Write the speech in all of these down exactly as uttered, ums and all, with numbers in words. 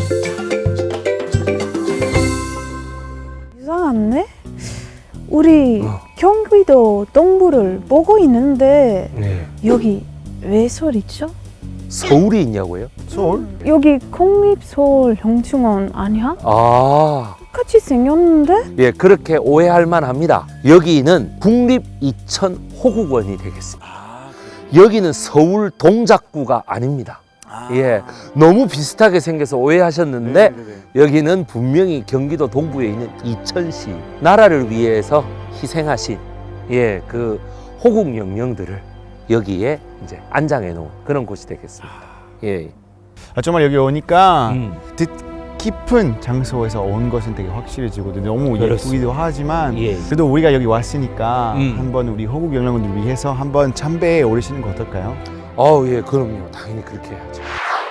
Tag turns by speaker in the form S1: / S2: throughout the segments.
S1: 이상한데? 우리
S2: 어.
S1: 경기도 동부를 보고 있는데
S2: 네.
S1: 여기 왜 서울이죠?
S2: 서울이 있냐고요?
S3: 서울?
S1: 여기 국립서울형충원 아니야?
S2: 아,
S1: 똑같이 생겼는데?
S2: 예, 그렇게 오해할 만합니다. 여기는 국립이천호국원이 되겠습니다. 여기는 서울 동작구가 아닙니다. 예, 너무 비슷하게 생겨서 오해하셨는데 여기는 분명히 경기도 동부에 있는 이천시, 나라를 위해서 희생하신 예, 그 호국 영령들을 여기에 이제 안장해 놓은 그런 곳이 되겠습니다. 예.
S3: 아, 정말 여기 오니까
S2: 음.
S3: 뜻깊은 장소에서 온 것은 되게 확실해지고 너무
S2: 그렇습니다.
S3: 예쁘기도 하지만
S2: 예.
S3: 그래도 우리가 여기 왔으니까
S2: 음.
S3: 한번 우리 호국 영령분들 위해서 한번 참배에 오르시는 거 어떨까요?
S2: 어, 예, 그럼요. 당연히 그렇게 해야죠.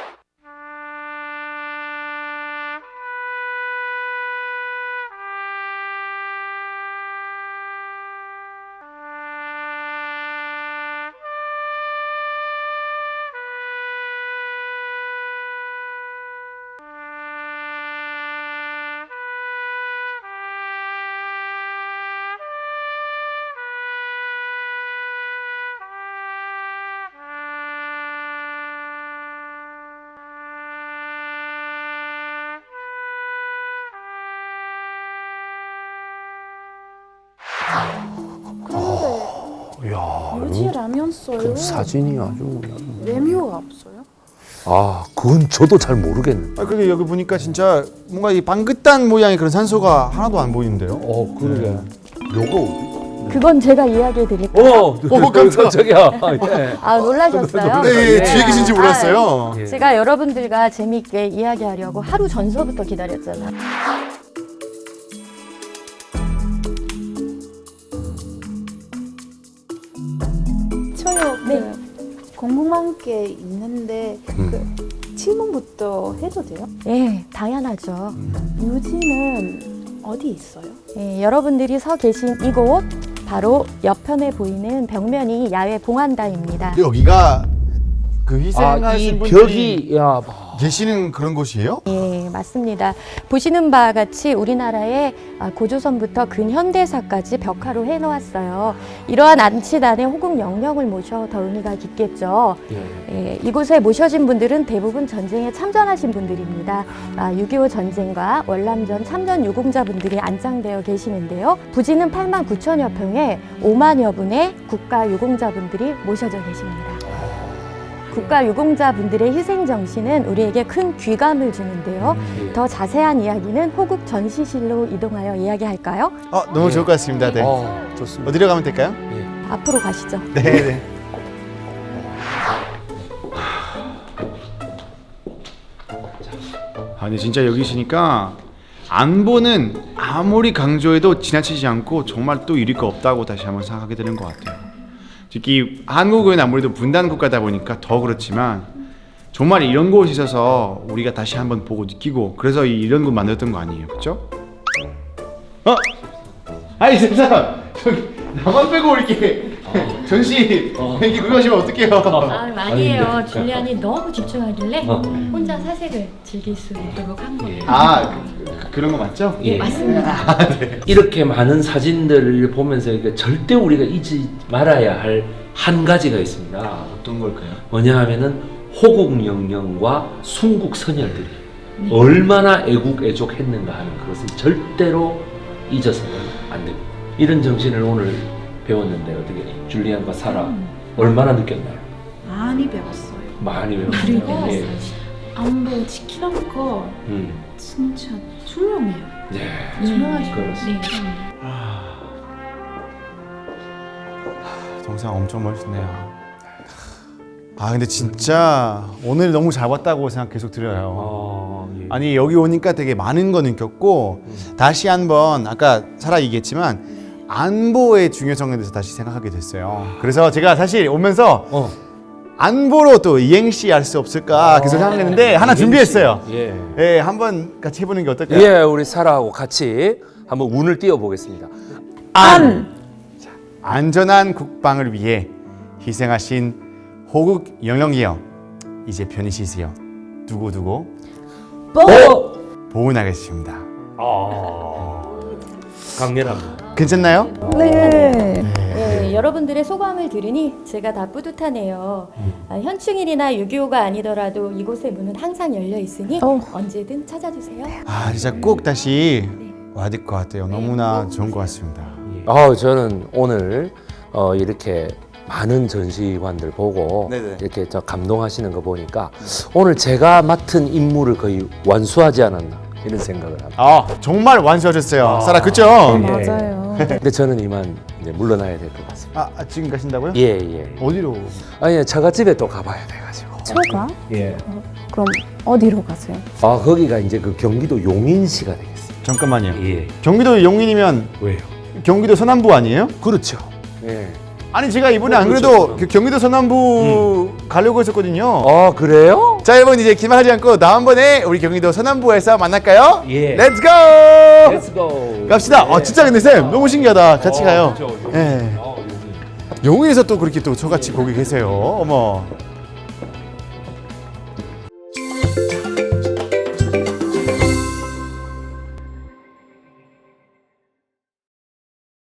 S1: 그런데
S2: 이야,
S1: 유지라면 써요?
S2: 사진이 아주 그냥.
S1: 레미오가 없어요?
S2: 아, 그건 저도 잘 모르겠네.
S3: 아, 근데 여기 보니까 진짜 뭔가 이 방긋한 모양의 그런 산소가 하나도 안 보이는데요?
S2: 어, 그러게. 요거.
S4: 그건 제가 이야기해 드릴게요.
S2: 어, 어, 깜짝이야. 예.
S4: 아, 놀라셨어요?
S3: 네,
S2: 예.
S3: 뒤에 계신지 몰랐어요.
S2: 예.
S4: 제가 여러분들과 재미있게 이야기하려고 하루 전서부터 기다렸잖아요.
S1: 저요
S4: 네.
S1: 그 궁금한 게 있는데
S2: 음.
S1: 그 질문부터 해도 돼요?
S4: 예, 당연하죠.
S1: 유지는 어디 있어요?
S4: 예, 여러분들이 서 계신 이곳 바로 옆편에 보이는 벽면이 야외 봉안다입니다.
S3: 여기가 그
S2: 아, 이
S3: 희생하신 분들이
S2: 벽이, 야,
S3: 계시는 그런 곳이에요?
S4: 예, 맞습니다. 보시는 바와 같이 우리나라의 고조선부터 근현대사까지 벽화로 해놓았어요. 이러한 안치단의 호국 영령을 모셔 더 의미가 깊겠죠.
S2: 예.
S4: 예, 이곳에 모셔진 분들은 대부분 전쟁에 참전하신 분들입니다. 아, 육이오 전쟁과 월남전 참전 유공자분들이 안장되어 계시는데요. 부지는 팔만 구천여 평에 오만여 분의 국가 유공자분들이 모셔져 계십니다. 국가 유공자분들의 희생 정신은 우리에게 큰 귀감을 주는데요.
S2: 예.
S4: 더 자세한 이야기는 호국 전시실로 이동하여 이야기할까요?
S3: 어, 너무
S2: 예.
S3: 좋을 것 같습니다. 네.
S2: 어, 좋습니다.
S3: 어디로 가면 될까요?
S2: 예.
S4: 앞으로 가시죠.
S3: 네, 네. 아, 근데 진짜 여기 있으니까 안보는 아무리 강조해도 지나치지 않고 정말 또 잃을 거 없다고 다시 한번 생각하게 되는 것 같아요. 특히 한국은 아무래도 분단 국가다 보니까 더 그렇지만 정말 이런 곳이 있어서 우리가 다시 한번 보고 느끼고 그래서 이- 이런 곳 만들었던 거 아니에요, 그렇죠? 어? 아니 세상 저기 나만 빼고 이렇게 전시 이렇게 그거 하시면 어떡해요?
S4: 아, 아니에요. 줄리안이 너무 집중하길래 혼자 사색을 즐길 수 있도록 한 거예요.
S3: 아 그, 그, 그런 거 맞죠?
S4: 예, 맞습니다.
S2: 이렇게 많은 사진들을 보면서 이게 절대 우리가 잊지 말아야 할 한 가지가 있습니다.
S3: 어떤 걸까요?
S2: 뭐냐 하면은 호국 영령과 순국 선열들이 얼마나 애국 애족했는가 하는 그것을 절대로 잊어서는 안 됩니다. 이런 정신을 오늘 배웠는데 어떻게 줄리안과 사라
S4: 음.
S2: 얼마나 느꼈나요?
S1: 많이 배웠어요.
S2: 많이 배웠어요.
S1: 그리고
S2: 예.
S1: 안보 지키는 거
S2: 음.
S1: 진짜 중요해요.
S2: 예.
S1: 중요하죠.
S2: 그렇습니다.
S3: 동상 엄청 멋있네요. 아 근데 진짜 오늘 너무 잘 봤다고 생각 계속 들어요.
S2: 어, 예.
S3: 아니 여기 오니까 되게 많은 거 느꼈고 다시 한번 아까 사라 얘기했지만 안보의 중요성에 대해서 다시 생각하게 됐어요. 그래서 제가 사실 오면서
S2: 어.
S3: 안보로 또 이행시 할 수 없을까 계속 생각했는데 하나 준비했어요.
S2: 예.
S3: 예, 한번 같이 해보는 게 어떨까요?
S2: 예, 우리 사라하고 같이 한번 운을 띄워 보겠습니다.
S3: 안! 자, 안전한 국방을 위해 희생하신 호국 영령이여 이제 편히 쉬세요. 두고두고
S2: 어?
S3: 보은하겠습니다.
S2: 아, 강렬합니다.
S3: 괜찮나요?
S4: 네. 네, 여러분들의 소감을 들으니 제가 다 뿌듯하네요.
S2: 음.
S4: 아, 현충일이나 유기오가 아니더라도 이곳의 문은 항상 열려 있으니
S1: 어.
S4: 언제든 찾아주세요.
S3: 아 진짜 꼭 다시 와야 될 것 같아요. 너무나 좋은 것 같습니다.
S2: 아, 저는 오늘 어, 이렇게 많은 전시관들 보고
S3: 네네.
S2: 이렇게 저 감동하시는 거 보니까 오늘 제가 맡은 임무를 거의 완수하지 않았나 이런 생각을 합니다.
S3: 아 정말 완수하셨어요.
S2: 아.
S3: 사라 그죠?
S2: 예.
S1: 맞아요.
S2: 근데 저는 이만 이제 물러나야 될 것 같습니다.
S3: 아, 아 지금 가신다고요?
S2: 예, 예.
S3: 어디로?
S2: 아니, 처갓집에 또 가봐야 돼가지고.
S1: 처가?
S2: 예.
S1: 그럼 어디로 가세요?
S2: 아, 거기가 이제 그 경기도 용인시가 되겠습니다.
S3: 잠깐만요.
S2: 예.
S3: 경기도 용인이면
S2: 왜요?
S3: 경기도 서남부 아니에요?
S2: 그렇죠. 예.
S3: 아니 제가 이번에
S2: 어,
S3: 안
S2: 그렇죠,
S3: 그래도
S2: 서남부.
S3: 그 경기도 서남부 가려고 했었거든요.
S2: 아, 그래요?
S3: 자 여러분 이제 기만하지 않고 다음번에 우리 경기도 서남부에서 만날까요?
S2: 예.
S3: 렛츠 고!
S2: Let's go.
S3: 갑시다.
S2: 예.
S3: 어 진짜 근데 쌤 너무 신기하다. 같이
S2: 어,
S3: 가요.
S2: 그렇죠.
S3: 예.
S2: 어, 용인.
S3: 용인에서 또 그렇게 또 저같이 거기 계세요. 어머.